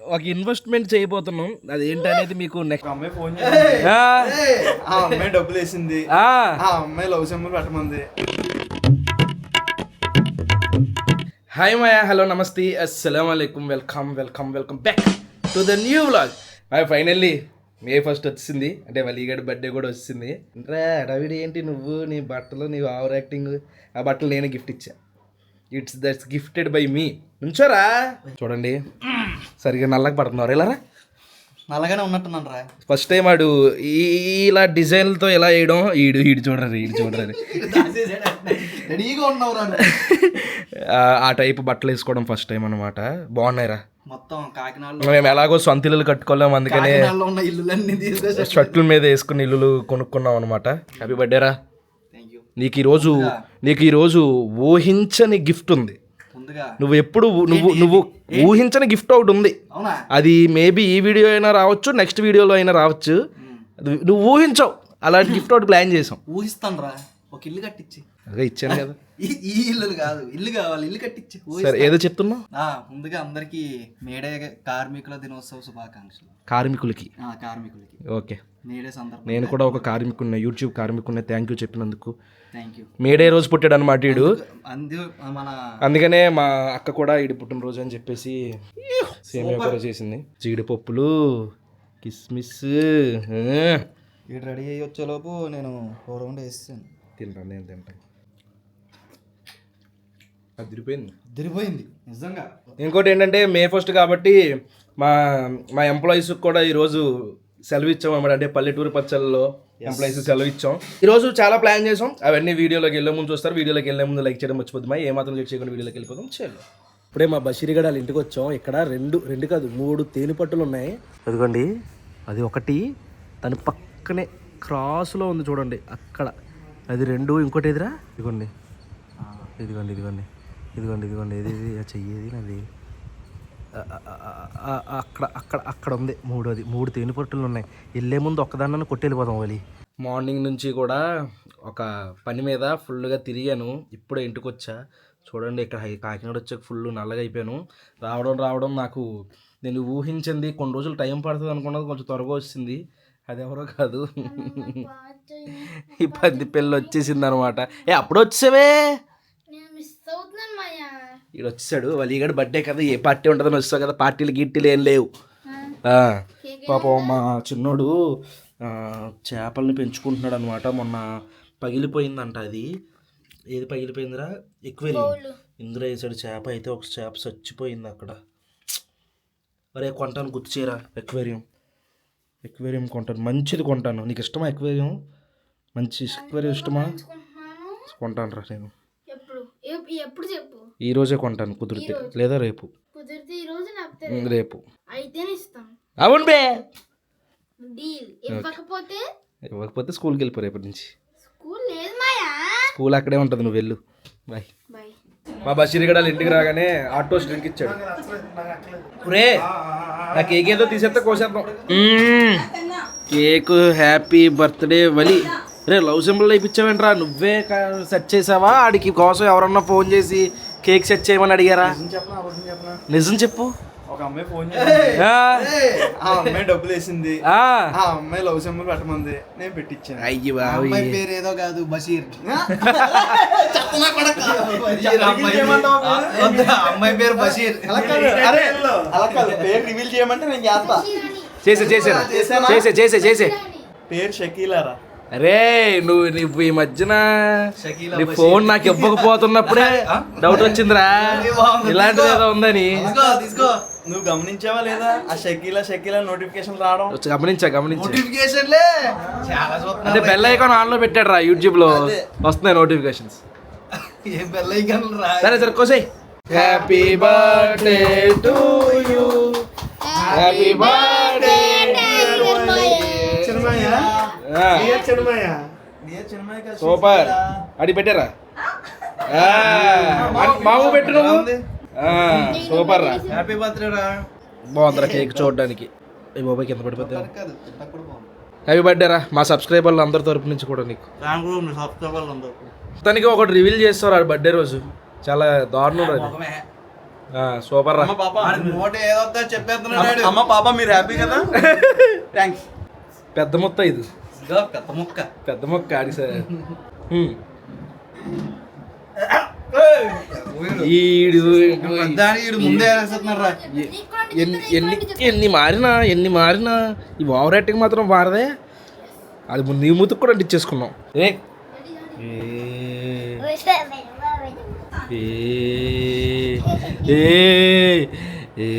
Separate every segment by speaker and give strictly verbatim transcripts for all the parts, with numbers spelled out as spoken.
Speaker 1: ఒక ఇన్వెస్ట్మెంట్ చేయబోతున్నాం. అది ఏంటనేది మీకు నెక్స్ట్.
Speaker 2: అమ్మాయి ఫోన్ చేసింది, ఆ అమ్మాయి డబ్బులు వేసింది, ఆ అమ్మాయి లవ్ సింబల్ పెట్టమంది.
Speaker 1: హాయ్ మాయా, హలో, నమస్తే, అస్సలం అయికం, welcome welcome welcome back to the new vlog. Finally May first వచ్చింది, అంటే వలీగడ్ బర్త్డే కూడా వచ్చింది. రా రవిడి, ఏంటి నువ్వు నీ బట్టలు, నీ ఓవర్ యాక్టింగ్. ఆ బట్టలు నేనే గిఫ్ట్ ఇచ్చా. It's that's gifted by me. నుంచోరా, చూడండి సరిగా నల్లగా పడుతున్నారు. ఇలా
Speaker 3: నల్లగానే ఉన్నట్టున్నాను రా.
Speaker 1: ఫస్ట్ టైం వాడు ఇలా డిజైన్లతో ఎలా వేయడం. ఈడు ఈడు చూడరు ఈడు చూడరు
Speaker 3: రెడీగా ఉన్నావు.
Speaker 1: ఆ టైప్ బట్టలు వేసుకోవడం ఫస్ట్ టైం అనమాట. బాగున్నాయిరా.
Speaker 3: మొత్తం కాకినాడలో
Speaker 1: మేము ఎలాగో సొంత ఇల్లులు కట్టుకోలేము, అందుకనే
Speaker 3: ఉన్న ఇల్లులన్నీ తీసుకొచ్చి
Speaker 1: షర్ట్ల మీద వేసుకుని ఇల్లులు కొనుక్కున్నాం అనమాట. హ్యాపీ బర్త్డే రా. నీకు ఈరోజు నీకు ఈరోజు ఊహించని గిఫ్ట్ ఉంది. నువ్వు ఎప్పుడు నువ్వు నువ్వు ఊహించని గిఫ్ట్ ఒకటి ఉంది. అది మేబీ ఈ వీడియో అయినా రావచ్చు, నెక్స్ట్ వీడియోలో అయినా రావచ్చు. నువ్వు ఊహించవు, అలాంటి గిఫ్ట్ ఒకటి ప్లాన్ చేసాం.
Speaker 3: ఊహిస్తాను రా, ఒక ఇల్లు కట్టించి.
Speaker 1: అదే ఇచ్చాను కదా.
Speaker 3: ఈ ఇల్లు కాదు, ఇల్లు కావాలి, ఇల్లు కట్టించి.
Speaker 1: సరే, ఏదో చెప్తున్నా.
Speaker 3: ముందుగా అందరికి మేడే కార్మికుల దినోత్సవ శుభాకాంక్షలు.
Speaker 1: కార్మికులకి
Speaker 3: కార్మికులకి
Speaker 1: ఓకే.
Speaker 3: మేడే సందర్భం
Speaker 1: నేను కూడా ఒక కార్మికున్న, యూట్యూబ్ కార్మికున్న. థ్యాంక్ యూ చెప్పినందుకు.
Speaker 3: Thank you.
Speaker 1: మేడే రోజు పుట్టాడు అనమాట వీడు.
Speaker 3: మన
Speaker 1: అందుకనే మా అక్క కూడా ఈడు పుట్టినరోజు అని చెప్పేసి సేమియా కూర చేసింది. జీడిపప్పులు, కిస్మిస్.
Speaker 3: వీడు రెడీ అయ్యి వచ్చేలోపు నేను కూర వండి వేస్తాను.
Speaker 1: తింటాను, నేను తింటాను. అది తిరిగిపోయింది
Speaker 3: తిరిగిపోయింది నిజంగా.
Speaker 1: ఇంకోటి ఏంటంటే మే ఫస్ట్ కాబట్టి మా మా ఎంప్లాయీస్కి కూడా ఈరోజు సెలవు ఇచ్చాం అన్నమాట. అంటే పల్లెటూరు పచ్చళ్ళలో ఎంప్లాయీస్ సెలవు ఇచ్చాం. ఈరోజు చాలా ప్లాన్ చేసాం. అవన్నీ వీడియోలోకి వెళ్ళే ముందు చూస్తారు. వీడియోలోకి వెళ్ళే ముందు లైక్ చేయడం మర్చిపోద్ది. మా ఏమాత్రం లైక్ చేయకుండా వీడియోలోకి వెళ్ళిపోతాం. చేయాలి. ఇప్పుడే మా బషీర్గడ వాళ్ళ ఇంటికి వచ్చాం. ఇక్కడ రెండు రెండు కాదు మూడు తేనె పట్టులు ఉన్నాయి. అదిగోండి, అది ఒకటి దాని పక్కనే క్రాస్లో ఉంది చూడండి అక్కడ. అది రెండు. ఇంకోటి ఎదురా ఇదిగోండి, ఇదిగోండి ఇదిగోండి ఇదిగోండి ఇదిగోండి ఇది చెయ్యేది నాది. అక్కడ అక్కడ అక్కడ ఉంది మూడోది. మూడు తేనె పట్టులు ఉన్నాయి. వెళ్ళే ముందు ఒక్కదాన్ని కొట్టి వెళ్ళిపోదాం. వాళ్ళి మార్నింగ్ నుంచి కూడా ఒక పని మీద ఫుల్గా తిరిగాను. ఇప్పుడే ఇంటికి వచ్చా. చూడండి, ఇక్కడ కాకినాడ వచ్చాక ఫుల్ నల్లగా అయిపోయాను. రావడం రావడం నాకు నేను ఊహించింది కొన్ని రోజులు టైం పడుతుంది అనుకున్నది కొంచెం త్వరగా వచ్చింది. అది ఎవరో కాదు, ఈ పంది పిల్ల వచ్చేసింది అనమాట. ఏ అప్పుడు వచ్చావే, ఇక్కడ వచ్చాడు. వలీగడ్ బర్త్డే కదా, ఏ పార్టీ ఉంటుందని వస్తావు కదా. పార్టీలు గిట్టీలు ఏం లేవు. పాపం మా చిన్నోడు చేపల్ని పెంచుకుంటున్నాడు అనమాట. మొన్న పగిలిపోయిందంట. అది ఏది పగిలిపోయిందిరా? ఎక్వేరియం. ఇందులో వేసాడు చేప. అయితే ఒక చేప చచ్చిపోయింది అక్కడ. అరే కొంటాను, గుర్తు చేయరా. ఎక్వేరియం ఎక్వేరియం కొంటాను, మంచిది కొంటాను. నీకు ఇష్టమా ఎక్వేరియం? మంచి ఎక్వేరియం ఇష్టమా? కొంటాను రా నేను. ఈ రోజే కొంటాను కుదిరితే, లేదా రేపు. రేపు అవును బే. ఇవ్వకపోతే స్కూల్కి వెళ్ళిపో రేపటి నుంచి. స్కూల్ అక్కడే ఉంటుంది, నువ్వు వెళ్ళు. బాయ్. మా బషీర్గడ ఇంటికి రాగానే ఆటో డ్రింక్ ఇచ్చాడు. రే నా కేక్ ఏదో తీసేస్తే కోసేద్దాం. Cake happy birthday Vali. రే లవ్ సింబల్ ఇప్పించావేంట్రా? నువ్వే సెట్ చేసావా? ఆడికి కోసం ఎవరన్నా ఫోన్ చేసి కేక్ సెట్ చేయమని అడిగారా? నిజం చెప్పు.
Speaker 2: ఒక అమ్మాయి ఫోన్ చేసింది, ఆ అమ్మాయి డబ్బులు వేసింది, ఆ అమ్మాయి లవ్ సింబల్ పెట్టమంది, నేను పెట్టించాను.
Speaker 1: అయ్యి
Speaker 3: అమ్మాయి పేరు ఏదో కాదు, బషీర్. అమ్మాయి పేరు బషీర్.
Speaker 2: అరే అలా కాదు, పేరు రివీల్ చేయమంటే నేను చేస్తా.
Speaker 1: చేసే చేసే చేసే చేసే చేసే
Speaker 2: పేరు షకీలారా.
Speaker 1: అరే నువ్వు నువ్వు ఈ మధ్యన నీ ఫోన్ నాకు ఇవ్వకపోతున్నప్పుడే డౌట్ వచ్చిందిరా, ఇలాంటిది ఏదో ఉందని.
Speaker 2: నువ్వు గమనించావా లేదా? ఆ షకీలా షకీలా నోటిఫికేషన్ రావడం
Speaker 1: గమనించా గమనించా
Speaker 3: నోటిఫికేషన్లే
Speaker 1: అంటే బెల్ ఐకాన్ ఆన్ లో పెట్టాడు రా, యూట్యూబ్ లో వస్తున్నాయి నోటిఫికేషన్స్.
Speaker 3: ఏ బెల్ ఐకాన్ రా?
Speaker 1: సరే సరే కోసేయ్. Happy birthday to you, happy birthday super. అడి పెట్టారా? మాము పెట్టు నువ్వు. సూపర్ రా,
Speaker 3: హ్యాపీ బర్త్డే రా.
Speaker 1: బాగుందిరా కేక్ చూడడానికి. ఈ బాబాయ్ కింద పడిపోతా. హ్యాపీ బర్త్డే రా మా సబ్స్క్రైబర్లు అందరి తరపు నుంచి కూడా నీకు. తనకి ఒకటి రివీల్ చేస్తారు ఆ బర్త్డే రోజు. చాలా దారుణం రా. సూపర్ రా.
Speaker 2: అమ్మ పాప
Speaker 3: నోట ఏదో చెప్పేస్తున్నాడు
Speaker 2: అమ్మ పాప మీరు హ్యాపీ కదా? థ్యాంక్స్.
Speaker 1: పెద్ద మొత్తం ఇది
Speaker 3: పెద్ద ముక్క.
Speaker 1: పెద్ద మొక్క ఆడి సార్. ఈడు
Speaker 3: దాని ఈడు ముందే వేసేస్తున్నాడు రా.
Speaker 1: ఎన్ని ఎన్ని ఎన్ని మారినా ఎన్ని మారినా ఈ ఓవర్ యాక్టింగ్ మాత్రం మారదే. అది ముందు నీ ముతుకు కూడా అంటించేసుకున్నాం. ఏ ఏ ఏ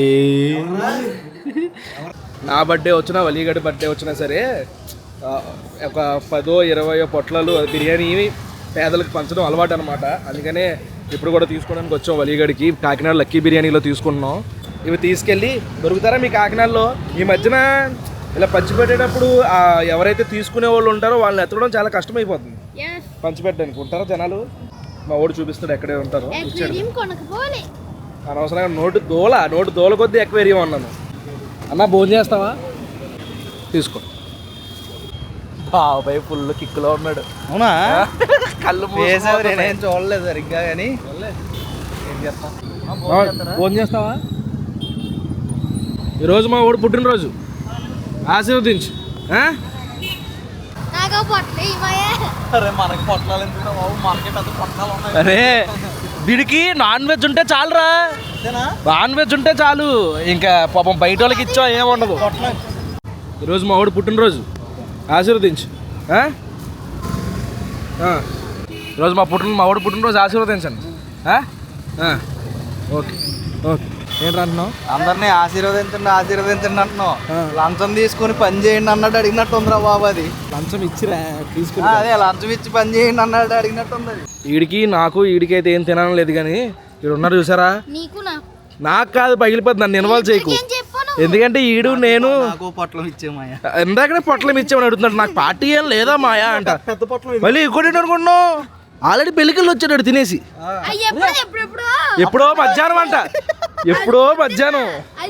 Speaker 1: నా బర్త్డే వచ్చినా వలీగడి బర్త్డే వచ్చినా సరే ఒక పదో ఇరవయో పొట్లాలు బిర్యానీ పేదలకు పంచడం అలవాటు అనమాట. అందుకనే ఇప్పుడు కూడా తీసుకోవడానికి వచ్చాం వలీగడికి. కాకినాడ లక్కీ బిర్యానీలో తీసుకున్నాం. ఇవి తీసుకెళ్ళి దొరుకుతారా మీ కాకినాడలో? ఈ మధ్యన ఇలా పంచిపెట్టేటప్పుడు ఎవరైతే తీసుకునే వాళ్ళు ఉంటారో వాళ్ళని ఎత్తడం చాలా కష్టమైపోతుంది పంచిపెట్టడానికి. ఉంటారా జనాలు? మా ఓడి చూపిస్తాడు ఎక్కడే ఉంటారో. అనవసరంగా నోటు దోల నోటు దోల కొద్దీ ఎక్వేరియం అన్నాను. అన్న భోజనం చేస్తావా? తీసుకో. బాబాయ్ ఫుల్ కిక్కులో ఉన్నాడు.
Speaker 3: అవునా?
Speaker 1: కళ్ళు
Speaker 3: నేనేం చూడలేదు సరిగ్గా కానీ ఏం చేస్తాం.
Speaker 1: భోజనం చేస్తావా? ఈరోజు మా ఓడి పుట్టినరోజు, ఆశీర్వదించు.
Speaker 2: అరే మనకి పొట్లాలు ఎందుకు బాబు? మనకి పెద్ద పొట్లాలు ఉన్నాయి.
Speaker 1: అరే వీడికి నాన్ వెజ్ ఉంటే చాలురా. నాన్ వెజ్ ఉంటే చాలు, ఇంకా పాపం బయట వాళ్ళకి ఇచ్చా ఏముండదు. ఈరోజు మా వాడు పుట్టినరోజు, ఆశీర్వదించు. ఈరోజు మా పుట్టిన మా వాడు పుట్టినరోజు ఆశీర్వదించండి. Okay okay. ఏంటి అంటున్నావు?
Speaker 3: అందరినీ ఆశీర్వదించండి ఆశీర్వదించండి అంటున్నావు. లంచం తీసుకొని పని చేయండి అన్నట్టు అడిగినట్టు ఉందిరా బాబు. అది
Speaker 1: లంచం ఇచ్చిరా తీసుకుని.
Speaker 3: అదే లంచం ఇచ్చి పని చేయండి అన్నట్టు అడిగినట్టు ఉంది.
Speaker 1: వీడికి నాకు వీడికి అయితే ఏం తినడం లేదు, కానీ వీడు ఉన్నారు చూసారా. నాకు కాదు పగిలిపోద్ది, నన్ను ఇన్వాల్వ్ చేయకు. ఎందుకంటే ఈడు నేను
Speaker 3: నాకు పొట్లం ఇచ్చే మాయా.
Speaker 1: ఇందాకనే పొట్లం ఇచ్చామని అడుగుతున్నాడు. నాకు పార్టీ ఏం లేదా మాయా అంట. మళ్ళీ ఇంకోటి అనుకుంటున్నావు, ఆల్రెడీ పెళ్ళికల్లో వచ్చాడు తినేసి. ఎప్పుడో మధ్యాహ్నం అంట, ఎప్పుడో మధ్యాహ్నం.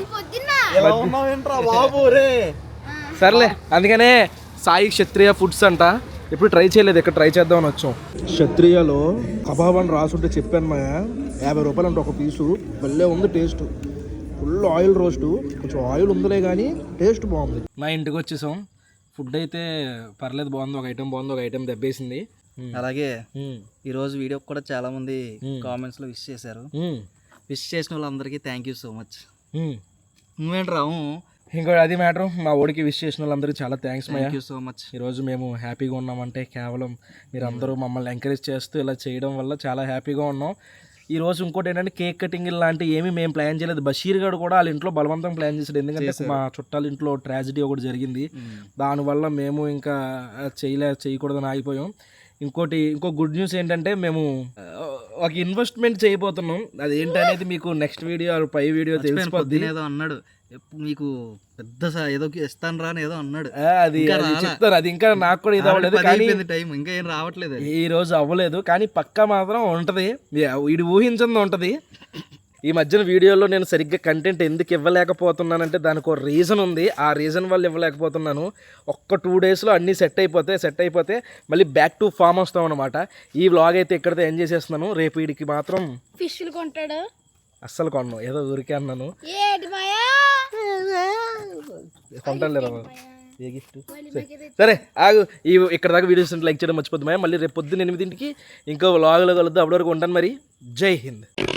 Speaker 1: సర్లే, అందుకనే సాయి క్షత్రియ ఫుడ్స్ అంట. ఎప్పుడు ట్రై చేయలేదు, ఇక్కడ ట్రై చేద్దామని వచ్చాం. క్షత్రియలో కబాబ్ అని రాసుంటే చెప్పాను మా, యాభై రూపాయలు అంటే ఒక పీసు. భలే ఉంది టేస్ట్. ఫుల్ ఆయిల్ రోస్టు, కొంచెం ఆయిల్ ఉందిలే కానీ టేస్ట్ బాగుంది. మా ఇంటికి వచ్చేసాం. ఫుడ్ అయితే పర్లేదు, బాగుంది. ఒక ఐటెం బాగుంది, ఒక ఐటెం దెబ్బేసింది.
Speaker 3: అలాగే ఈరోజు వీడియో కూడా చాలా మంది కామెంట్స్ లో విష్ చేశారు. విష్ చేసిన వాళ్ళందరికీ థ్యాంక్ యూ సో మచ్. నువ్వేంటి రావు
Speaker 1: ఇంకోటి అది మ్యాటర్, మా ఓడికి విష్ చేసిన వాళ్ళందరికీ చాలా thanks.
Speaker 3: Thank you so much.
Speaker 1: ఈరోజు మేము హ్యాపీగా ఉన్నామంటే కేవలం మీరు అందరూ మమ్మల్ని ఎంకరేజ్ చేస్తూ ఇలా చేయడం వల్ల చాలా హ్యాపీగా ఉన్నాం. ఈ రోజు ఇంకోటి ఏంటంటే కేక్ కటింగ్ లాంటివి ఏమీ మేము ప్లాన్ చేయలేదు. బషీర్ గారు కూడా వాళ్ళ ఇంట్లో బలవంతం ప్లాన్ చేశాడు. ఎందుకంటే మా చుట్టాల ఇంట్లో ట్రాజడీ ఒకటి జరిగింది. దానివల్ల మేము ఇంకా చేయలే చేయకూడదని ఆగిపోయాం. ఇంకోటి ఇంకో గుడ్ న్యూస్ ఏంటంటే మేము ఒక ఇన్వెస్ట్మెంట్ చేయబోతున్నాం. అది ఏంటనేది మీకు నెక్స్ట్ వీడియో పై వీడియో తెలిసిపోద్ది.
Speaker 3: ఏదో అన్నాడు మీకు పెద్ద ఏదో ఇస్తాను రా ఏదో అన్నాడు.
Speaker 1: అది చెప్తాను, అది ఇంకా నాకు కూడా ఇది అవ్వలేదు, కానీ
Speaker 3: టైం ఇంకా ఏం రావట్లేదు.
Speaker 1: ఈ రోజు అవ్వలేదు, కానీ పక్కా మాత్రం ఉంటది. వీడు ఊహించింది ఉంటది. ఈ మధ్యన వీడియోలో నేను సరిగ్గా కంటెంట్ ఎందుకు ఇవ్వలేకపోతున్నానంటే దానికి ఒక రీజన్ ఉంది. ఆ రీజన్ వల్ల ఇవ్వలేకపోతున్నాను. ఒక్క టూ డేస్లో అన్నీ సెట్ అయిపోతే సెట్ అయిపోతే మళ్ళీ బ్యాక్ టు ఫామ్ వస్తాం అనమాట. ఈ వ్లాగ్ అయితే ఇక్కడితో ఎంజాయ్ చేస్తున్నాను. రేపు వీడికి మాత్రం
Speaker 4: ఫిష్లు కొంటాడు.
Speaker 1: అస్సలు కొన్నాను, ఏదో ఊరికే అన్నాను. కొంటాను ఏ గిఫ్ట్. సరే ఆగు, ఈ ఇక్కడ దాకా వీడియోస్ లైక్ చేయడం మర్చిపోద్దు. మళ్ళీ రేపు పొద్దున్న ఎనిమిదింటికి ఇంకో వ్లాగ్లో కలుద్దాం. అప్పటి వరకు ఉంటాను మరి. జై హింద్.